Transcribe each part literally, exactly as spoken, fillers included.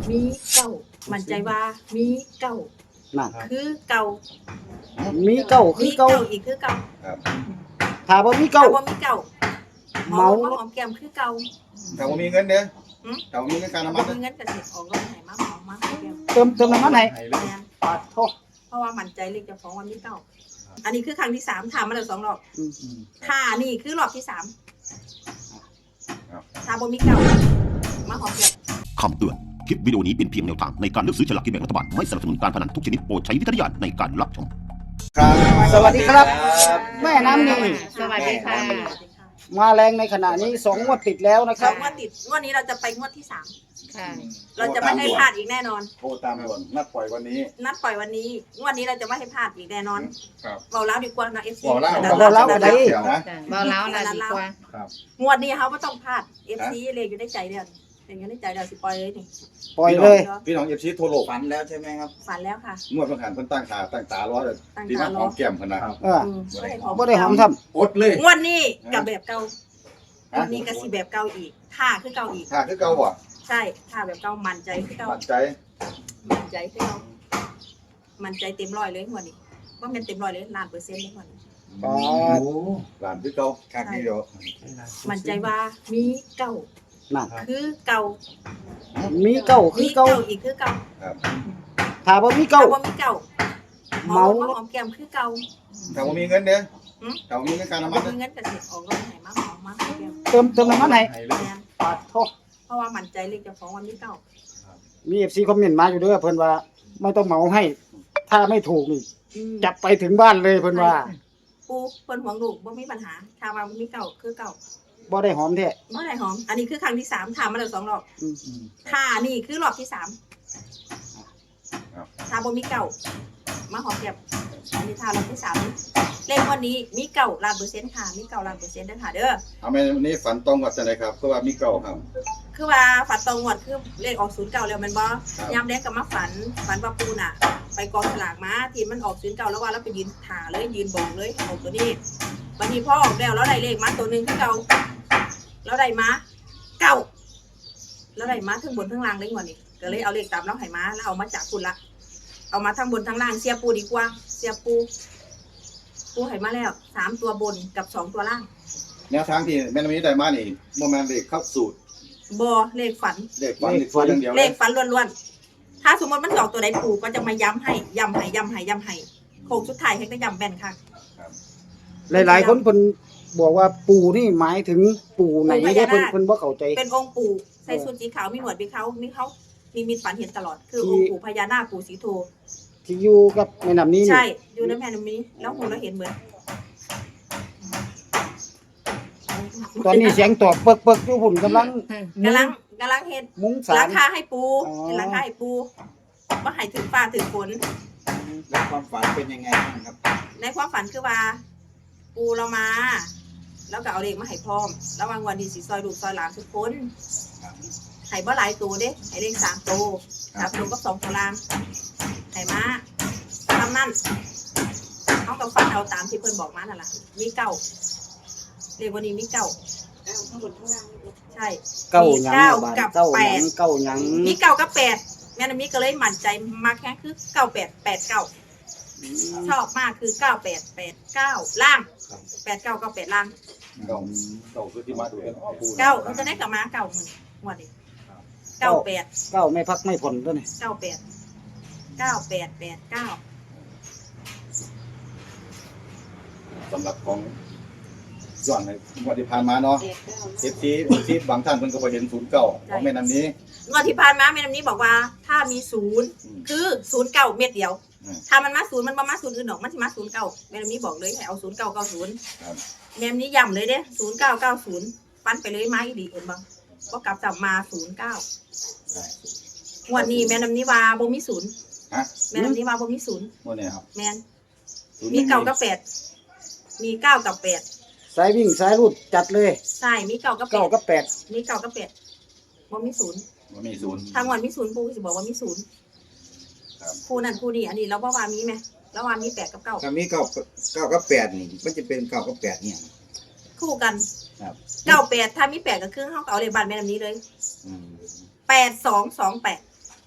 มีเก้ามั่นใจว่ามีเก้านั่นคือเก่ามีเก้าคือมีเก้าเก้าอีกคือเก่าครับถ้าบ่มีเก้าเก้าบ่มีเก้าเมาเมามาหอมแก้มคือเก่าถ้าบ่มีเงินเด้อหืมถ้าบ่มีเงินค่าน้ำบ่มันมีเงินก็สิออกรถให้มาหอมมาหอมแก้มเติมเติมน้ำมันให้ให้เลยแม่นปาดโทษเพราะว่ามั่นใจเลขเจ้าของว่ามีเก้าอันนี้คือครั้งที่สามถามมาแล้วสองรอบอืมถ้านี่คือรอบที่สามครับถ้าบ่มีเก้ามาหอมแก้มคำเตือน คลิปวิดีโอนี้เป็นเพียงแนวทางในการเลือกซื้อฉลากกินแบ่งรัฐบาล ไม่สนับสนุนการพนันทุกชนิดโปรดใช้วิจารณญาณในการรับชมครับสวัสดีครับ แม่น้ำนี่สวัสดีค่ะสวัสดีค่ะมาแรงในขณะนี้สองงวดติดแล้วนะคสรัอบ งงวดติดงวดนี้เราจะไปงวดที่สามค่ะเราจะไม่ให้พลาดอีกแน่นอนโทรตามด่วนนัดปล่อยวันนี้นัดปล่อยวันนี้งวดนี้เราจะไม่ให้พลาดอีกแน่นอนครับเบาแล้วดีกว่านะเอฟซีบอกแล้วบอกแล้วก็ได้เดี๋ยวนะเบาแล้วนะดีกว่าครับงวดนี้เขาไม่ต้องพลาดเอฟซีเลยอยู่ในใจเดียวเป็นอยู่ในใจเดียวสิปล่อยเลยนี่ปล่อยเลยพี่น้องเอฟซีโทรโลกฝันแล้วใช่ไหมครับฝันแล้วค่ะงวดเพิ่งหันเพิ่นตั้งตาตั้งตารอเลยตั้งที่ตาน้ำรหออมแก้มเพิ่นนะเอออืมบ่ได้หอมบ่ได้หอมทำอดเลยงวดนี้กับแบบเก่างวดนี้ก็สิแบบเก่าอีกท่าคือเก่าอีกถ้าคือเก่าบ่ใช่ท่าแบบเก่ามั่นใจคือเก่ามั่นใจมั่นใจคือเก่ามั่นใจเต็มร้อยเลยงวดนี้ว่ามันเต็มร้อยเลยล้านเปอร์เซ็นต์เลยงวดนี้ปาดหลานคือเก่าครับนี่เดี๋ยวมั่นใจว่ามีเก่านั่นคือเก่ามีเก้าคืมีอเก้าเก่าอีกคือเก่าครับถ้าบ่มีเก่าเก้าว่ามีเก่าเมามาหอมแก้มคือเก่าถ้าบ่มีเงินเด้อหืมถ้าบ่มีเงินค่าน้ำบ่มันมีเด้อเงินก็สิออกรถให้มาหอมมาหอมแก้มเติมเติมน้ำมันให้ให้เลยแม่นปาดโทษเพราะว่ามั่นใจเลขเจ้าของว่ามีเก่ามี เอฟ ซี คอมเมนต์มาอยู่เด้อเพิ่นว่าไม่ต้องเหมาให้ ถ้าไม่ถูกนี่อืมจับไปถึงบ้านเลยเพิ่นว่าปูเพิ่นหวงลูกบ่มีปัญหาถ้าว่ามีเก่าคือเก่าบ่ได้หอมแท้บ่ได้หอม อันนี้คือครั้งที่สามถามมาแล้วสองรอบอืมถ้านี่คือรอบที่สามถ้าบ่มีเก่ามาหอมแก้มอันนี้ถ้ารอบที่สามเลขวันนี้มีเก่าล้านเปอร์เซ็นต์ค่ะมีเก่าล้านเปอร์เซ็นต์เด้อค่ะเด้อเอาแม่วันนี้ฝันตรงกับจังไดครับเพราะว่ามีเก่าครับคือว่าฝันตรงงวดคือเลขออกศูนย์เก่าแล้วแมันบ่ครับยามแรกก็มาฝันฝันว่าปูน่ะ ไปกองฉลากมาที่มันออกศูนย์เก่าแล้วว่าเราไปยืนถ่าเลยยืนบอกเลยออกตัวนี้วันนี้พ่อออกแล้วเราได้เลขมาตัวหนึงคือเก่าเราได้มาเก่าเราได้มาทั้งบนทั้งล่างเลยงวดนี้ก็เลยเอาเลขตามเราให้มาแล้วเอามาจากคุณละเอามาทั้งบนทั้งล่างเสียปูดีกว่าเสียปูปูให้มาแล้วสามตัวบนกับสองตัวล่างแนวทางที่แม่นำนี้ได้มานี่บ่แม่นเลขเข้าสูตรบอเลขฝันเลขฝันนี่ฝันอย่างเดียวเลเลยขฝันล้วนๆ ถ้าสมมติมันสองตัวใดปู่ก็จะมาย้ำให้ย้ำให้ย้ำให้ย้ำให้โค้งสุดท้ายให้ก็ย้ำแบนค่ะหลายๆคนเพิ่นบอกว่าปู่นี่หมายถึงปู่ไหนเด้เพิ่นเพิ่นบ่เข้าใจเป็นองค์ปู่ใส่ชุดสีขาวมีหนวดมีเขามีเขามีมีฝันเห็นตลอด คือองค์ปู่พญานาคปู่สีโทที่อยู่กับแม่น้ำนี้นี่ใช่อยู่ในแม่น้ำนี้แล้วหูเราเห็นเหมือนตอนนี้เสียงตอบเปิกๆอยู่พุ่นกำลังกำลังกำลังเห็นมุ้งหสาลัมงคาให้ปูอ๋อเห็นหลังคาให้ปูว่าให้ถึงฟ้าถึงฝนแล้วความฝันเป็นยังไงบ้างครับในความฝันคือว่า ปูเรามา แล้วก็เอาเด็กมาให้พร้อม แล้ววางวันดีสีซอยลูกซอยหลานทุกคนให้บ่หลายตัวเด้ให้เลขสามตัวสามตัวก็สองตัวล่างให้มาทำนั่นเขากับฟันเอาตามที่เพิ่นบอกมานั่นแหละมีเก้าเลขวันนี้มีเก้าข้างบนข้างล่างใช่เก้าหยังเก้าบาดกับเก้าหแปยัดงเก้าหยังมีเก้ากับแปดแม่น้ำนี้ก็เลยมั่นใจมากแค่คือเก้าแปดแปดเก้าชอบมากคือเก้าแปดแปดเก้าล่างแปดเก้าเก้าแปดล่างเก่าเก่าคือที่มาดูกันอ้อปูเก้าเราจะได้กลับมาเก้าหมื่นงวดนี้เก้าแปดเก้าไม่พักไม่ผ่อนตัวนี้เก้าแปดเก้าแปดแปดเก้าสำหรับของย้อนในงวดที่ผ่านมาเนาะเอฟซีที่บางท่านเพิ่นก็บ่เห็นศูนย์เก่าของแม่น้ำนี้งวดที่ผ่านมาแม่น้ำนี้บอกว่า ถ้ามีศูนย์อืมคือศูนย์เก้าเม็ดเดียวอืมถ้ามันมาศูนย์มันบ่มาศูนย์อื่นหรอกมันจะมาศูนย์เก้าแม่น้ำนี้บอกเลยให้เอาศูนย์เก้าเก้าศูนย์ครับแม่น้ำนี้ย้ำเลยเด้ศูนย์เก้าเก้าศูนย์ฟันไปเลยมาอีดีเอ็นบังก็กลับจับมาศูนย์เก้าได้งวดนี้แม่น้ำนี้ว่าบ่มีศูนย์ฮะแม่น้ำนี้ว่าบ่มีศูนย์งวดนี้ครับแม่นศูนย์มีเก้ากับแปดมีเก้ากับแปดสายวิ่งสายรูดจัดเลยใช่มีเก้ากับแปเก้าดกับแปดมีเก้ากับแปดบ่มีศูนย์บ่มีศูนย์ทางวันมีศูนย์ปูสิบอกว่ามีศูนย์ครับคู่นั่นคู่นี้อันนี้เราว่าว่ามีไหมแล้วว่ามีแปดกับเก้าถ้ามีเก้าเก้ากับแปดนี่มันจะเป็นเก้ากับแปดเนี่ยคู่กันครับเก้าแปดถ้ามีแปดกับครึ่งเขาก็เอาเลยบันแม่น้ำนี้เลยอืมแปดสองสองแปดอ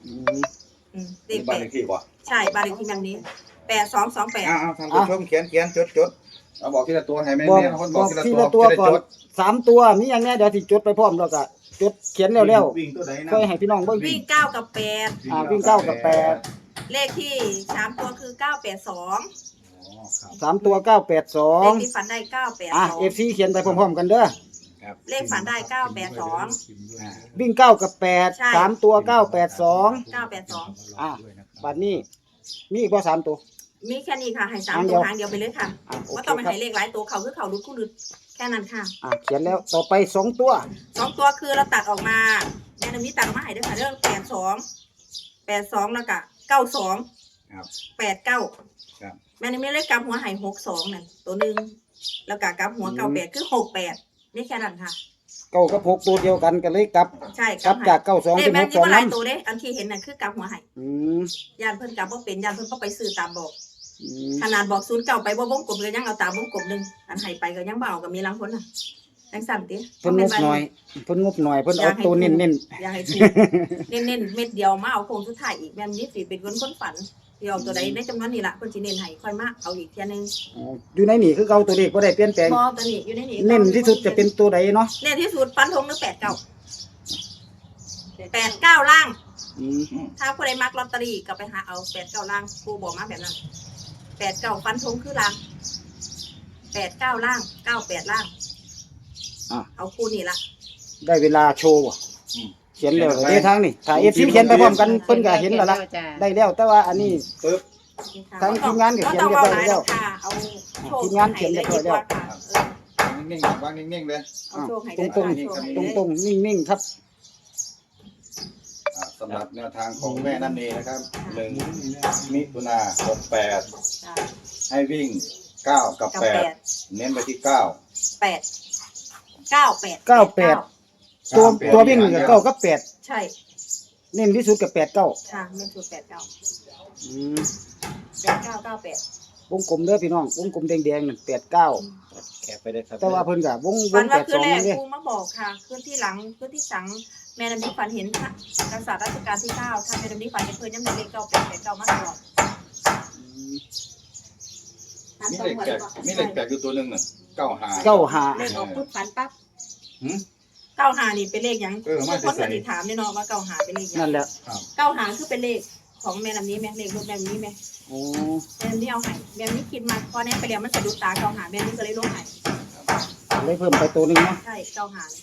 อืมอืมเลนี่ขบ้านแปเลดขที่บ่ใช่บ้านเลขที่แบบนี้แปดสองสองแปดเอาเอาท่านผู้ชมเขียนเขียนจดจดเอาบอกทีละตัวให้แม่บอกแม่คนบบ ออกกทีทีละละตัตัว วก่อนจะได้จดสามตัวมีอย่างเนี้ยเดี๋ยวสิจดไปพร้อมแล้วก็จดเขียนแล้วแล้ววิ่งตัวใดๆนะค่อยให้พี่น้องเบิ่งวิ่งเก้ากับแปดอ่าวิ่งเก้ากับแปดเลขที่สามตัวคือเก้าแปดสองอ๋อครับสามตัวเก้าแปดสอเลงขที่ฝันได้เก้าแปดอ่ะสองเอฟซีเขียนไปพร้อมๆกันเด้อครับเลขฝันได้เก้าแปดสองอ่าวิ่งเก้ากับแปดใช่สามตัวเก้าแปดสองเก้าแปดสองอ่ะ บัดนี้มีอีกบ่สามตัวมีแค่นี้ค่ะให้สามหางเดีตัยว วหางเดียวไปเลยค่ะอ่ะโอว่าเคต้องไปครับให้เลขหลายตัวเขาคือเขารุดคู่รุดแค่นั้นค่ะอ่ะเขียนแล้วต่อไปสองตัวสองตัวคือเราตัดออกมาแม่น้ำนี้ตัดออกมาให้ด้วยค่ะเรื่องแปดสองแปดสองแล้วก็เก้าสองครับแปดเก้าครับแม่น้ำนี้เลขกลับหัวใหายหกสองนั่นตัวหนึ่งแล้วก็กลับหัวเก้าแปดคือหกแปดนี่แค่นั้นค่ะเก้ากับหกตัวเดียวกันกันเลยกลับใช่กลับจากเก้าสองเลขเป็นแม่หกนี้สองก็หลายนั้นตัวเด้อันที่เห็นน่ะคือกลับหัวใหายอืมยานเพิ่นกลับว่าเป็นยานเพิ่นก็ไปซื้อตามบอกอืมขนาดบอกศูนย์เก่าไปบ่วงกลมเลยยังเอาตามวงกลมหนึ่งอันใหายไปก็ยังเบเอากับมีลังพ้นน่ะจังสั่นติเพิ่นงบหน่อยเพิ่นงบหน่อยเพิ่นเอาตัวเน้นอย่าให้ถูกเน้นๆเม็ดเดียวมาเอาโค้งสุดท้ายอีกแม่นนี้สิเป็นคนคนฝันที่เอาตัวใดในจำนวนนี้ล่ะเพิ่นสิเน้นให้ค่อยมาเอาอีกเที่ยนึงๆอ๋ออยู่ในนี่คือเก่าตัวเลขบ่ได้เปลี่ยนแปลงบ่ตัวนี้อยู่ในนี้เน้นที่สุดจะเป็นตัวใดเนาะเน้นที่สุดฟันธงหรือแปดเก้าแปดเก้าล่างอืมถ้าผู้ใดมักลอตเตอรี่ก็ไปหาเอาแปดเก้าล่างครูบอกมาแบบนั้นแปดเก้าฟันธงคือล่างแปดเก้าล่างเก้าแปดล่างอ่ะเอาคู่นี่ละได้เวลาโชว์ว่ะอืมเขียนแล้วเด้ทางนี่ถ้า เอฟ ซี เขียนไปพร้อมกันเพิ่นก็เห็นแล้วล่ะจ้ะได้แล้วแต่ว่าอันนี้ปึ๊บทางทีมงานก็เขียนเรียบร้อยแล้วค่ะเอาโชว์ทีมงานเขียนเรียบร้อยแล้วนิ่งๆวางนิ่งๆเลยเอาโชว์ให้ตรงได้ตรงโชว์ให้ตรงได้ตรงๆนิ่งๆครับอ่าสำหรับแนวทางของแม่นั่นเองนะครับหนึ่งมิถุนาหกแปดจ้ะให้วิ่งเก้ากับกับแปแปดดเน้นไปที่เก้าแปดเก้าแปดเก้าแปด ตัวตัววิ่งนี่ก็เก้ากับแปดใช่เน้นที่สุดกับแปดเก้าค่ะไม่ถูกแปดเก้าอืมแปดเก้าเก้าแปดวงกลมเด้อพี่น้องวงกลมแดงๆนั่นแปดเก้าแคปไปได้ครับแต่ว่าเพิ่นก็วงวฝังนแปว่าดคืสอองแรกนี่เด้ครูมาบอกค่ะคืนที่หลังคืนที่สังแม่นำนี้ฝันเห็นค่ะกษัตริย์รัชกาลที่เก้าถ้าแม่นำนี้ฝันเห็นเพิ่นยังเป็นเลขเก้าแปดแปดเก้ามาตลอดมีเลขแปดมีเลขแปดอยู่ตัวหนึ่งน่ะเก้าหาเก้าห้าเลขออกปุ๊บฝันปั๊บหืมเก้าหานี่เป็นเลขหยังเออมาทุกคนใส่ก็ติถามแน่นอนว่าเก้าหาเป็นเลขหยันั่งนแหละเก้าหาคือเป็นเลขของแม่นำนี้ไหมเลขรถแม่นำนี้ไหมโอ้แม่นำนี้เอาให้แม่นำนี้คิดมาพอแน่ไปแล้วมันสะดุดตาเก้าหาแม่นำนี้ก็เลยลงให้เลยเพิ่มไปตัวหนึงเนาะใช่เก้าหา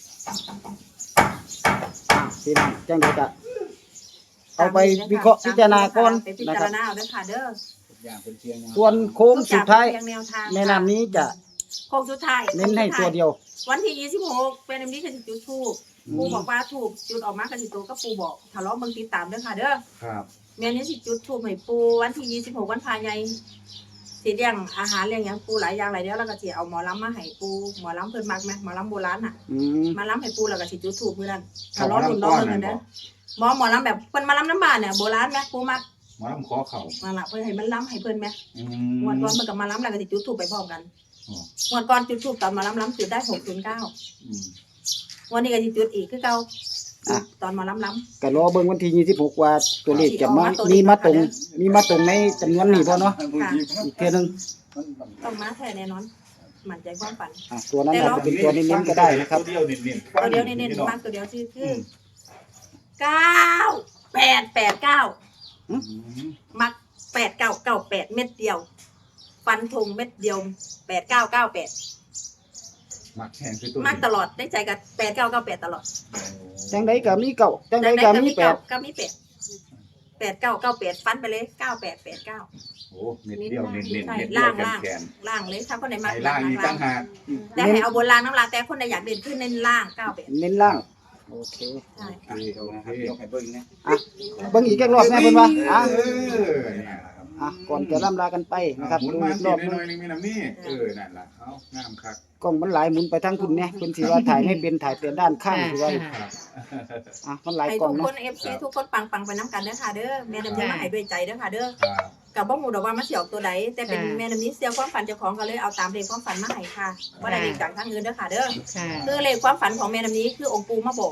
อ่ะพี่น้องจังไดก็เอาไปวิเคราะห์พิจารณาก่อนไปพินะจาครรับณาเอาเด้อค่ะเด้อทุกอย่างเป็นเพียงแนวส่วนโค้งสุดท้ายทุกองเป็นเพีงแนวทางแม่น้ำนี้จะโค้งสุดท้ายเน้นให้ตัวเดียววันที่ยี่สิบหกเป็นอันนี้คือจุดทูบปูบอกว่าถูกจุดออกมากันสิตัวก็ปูบอกทะเลาะเมืองติดตามเด้อค่ะเด้อครับแม่นี้สิจุดทูบให้ปูวันที่ยี่สิบหกวันพายใหญ่สิเลี้ยงอาหารเลี้ยงหยังปูหลายอย่างหลายเดียวแล้วก็สิเอาหมอลำมาให้ปูหมอลำเพิ่นมักไหมหมอลำโบราณน่ะอืมมาลำให้ปูแล้วก็สิจุดทูบมื้อนั้นทะเลาะรุ่นน้องเมืองกันเด้อหมอหมอลำแบบเพิ่นมาลำน้ำบ้านเนี่ยโบราณไหมปูมักหมาลำคอเข่ามาละเพิ่นให้มันลำให้เพิ่นไหมอืงวดมก่อนเพิ่นก็มาลำแล้วก็สิจุดทูบไปพร้อมกันอ๋องวดก่อนจุดทูบตอนมาลำลำจุดได้หกศูนย์เก้าอืมวันนี้ก็สิจุดอีกคือเก่าอ่ะตอนหมอลำลำก็รอเบิ่งวันที่ยี่สิบหกว่าตัวเลขจะมาสิออกมาตัวเลขมีมาตรงนะคะมีมาตรงในจำนวนนี้บ่เนาะผู้หญิงอีกเทื่อนึงมันมันต้องมาแท้แน่นอนมั่นใจความฝันอ่ะตัวนั้นอาจจะเป็นตัวเน้นๆก็ได้นะครับตัวเดียวเน้นๆตัวเดียวเน้นๆมากตัวเดียวชื่อคือเก้าแปดแปดเก้าอืมมักแปดเก้าเก้าแปดเม็ดเดียว ฟันธงเม็ดเดียวแปดเก้าเก้าแปดมักแห้งคือตัวมักตลอดได้ใจกับแปดเก้าเก้าแปดตลอดจังไดก็มีเก้าจังไดก็มีแปดก็มีแปดแปดเก้าเก้าแปดฟันไปเลยเก้าแปดแปดเก้าโอ้เม็ดเดียวเน้นๆเม็ดใช่เดียวล่างแขนล่างแขนล่างเลยถ้าคนไหนมักไอ้ล่างนี่ตั้งหากแต่ให้เอาบนล่างน้ำลายแต่คนไหนอยากเด่นขึ้นเน้นล่างเก้าแปดเน้นล่างโอเคใช่โอเคโอเคเดี๋ยวให้เบิ่งนะอ่ะเบิ่งอีกแค่รอบแน่เพิ่นว่าอ่ะเออเนี่ยนะครับอ่ะก่อนจะล่ำลากันไปนะครับหมุนดูมาอีกสิรอบหหนึงน่อยๆนึงมีน้ำนี่เออนั่นล่ะเอางามคักกล้องมันหลายหมุนไปทางคุณเนี่ยเพิ่นสิว่าถ่ายไม่เป็นถ่ายแต่ด้านข้างคือว่าครับอ่ะมันหลายให้กล้อทุงกคเนาะนเอฟซีทุกคนปังปังๆไปน้ำกันเด้อค่ะเด้อแม่น้ำนี้มาให้ด้วยใจเด้อค่ะเด้อครับกับบ่หมูดอกว่ามาเสี่ยวตัวใดแต่เป็นค่ะแม่น้ำนี้เสี่ยวความฝันเจ้าของก็เลยเอาตามเลขความฝันมาให้ค่ะว่าได้เลขจากทางอื่นเด้อค่ะเด้อค่ะคือเลขความฝันของแม่น้ำนี้คือองค์ปู่มาบอก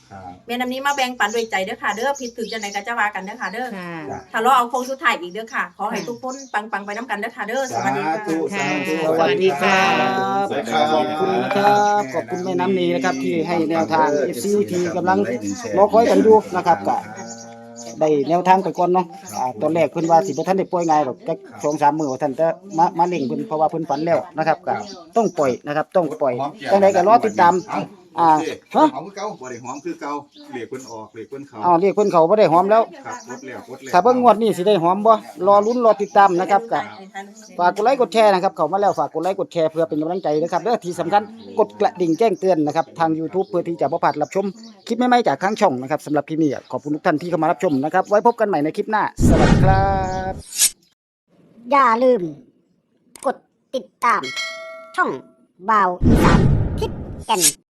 ครับแม่น้ำนี้มาแบ่งปันด้วยใจเด้อค่ะเด้อผิดถึงจะไหนก็จะว่ากันเด้อค่ะเด้อค่ะถ้ารอเอาโค้งสุดท้ายอีกเด้อค่ะ ขอให้ทุกคนปังๆไปน้ำกันเด้อค่ะเด้อสสาวัสดีค่ะธุสาธุสวัสดีครับสวัสดีครับขอบคุณนะครับ ขอบคุณแม่น้ำนีนะครับที่ให้แนวทาง เอฟ ซี ที่กำลังรอคอยกันอยู่นะครับก็ได้แนวทางไปก่อนเนาะอ่าตอนแรกเพิ่นว่าสิบ่ทันได้ปล่อยง่ายหรอกจัก สองสาม มื้อว่าท่านจะมามาเล่งเพิ่นเพราะว่าเพิ่นฝันแล้วนะครับก็ต้องปล่อยนะครับ ต้องปล่อยจังไดก็รอติดตามอ่าฮะหอมคือเก่าบ่ได้หอมคือเก่าเหล็กเพิ่นออกเหล็กเพิ่นเข้าอ้าวเรียกเพิ่นเขาบ่ได้หอมแล้วครับกดแล้วกดแล้วถ้าเบิ่งงวดนี้สิได้หอมบ่รอลุ้นรอติดตามนะครับก็ ฝากกดไลค์กดแชร์นะครับเข้ามาแล้วฝากกดไลค์กดแชร์เพื่อเป็นกำลังใจนะครับและที่สำคัญกดกระดิ่งแจ้งเตือนนะครับทาง YouTube เพื่อที่จะบ่พลาดรับชมคลิปใหม่ๆจากทางช่องนะครับสำหรับคลิปนี้ขอบคุณทุกท่านที่เข้ามารับชมนะครับไว้พบกันใหม่ในคลิปหน้าสวัสดีครับอย่าลืม กดติดตาม ช่องบ่าวอีสานทิศแก่น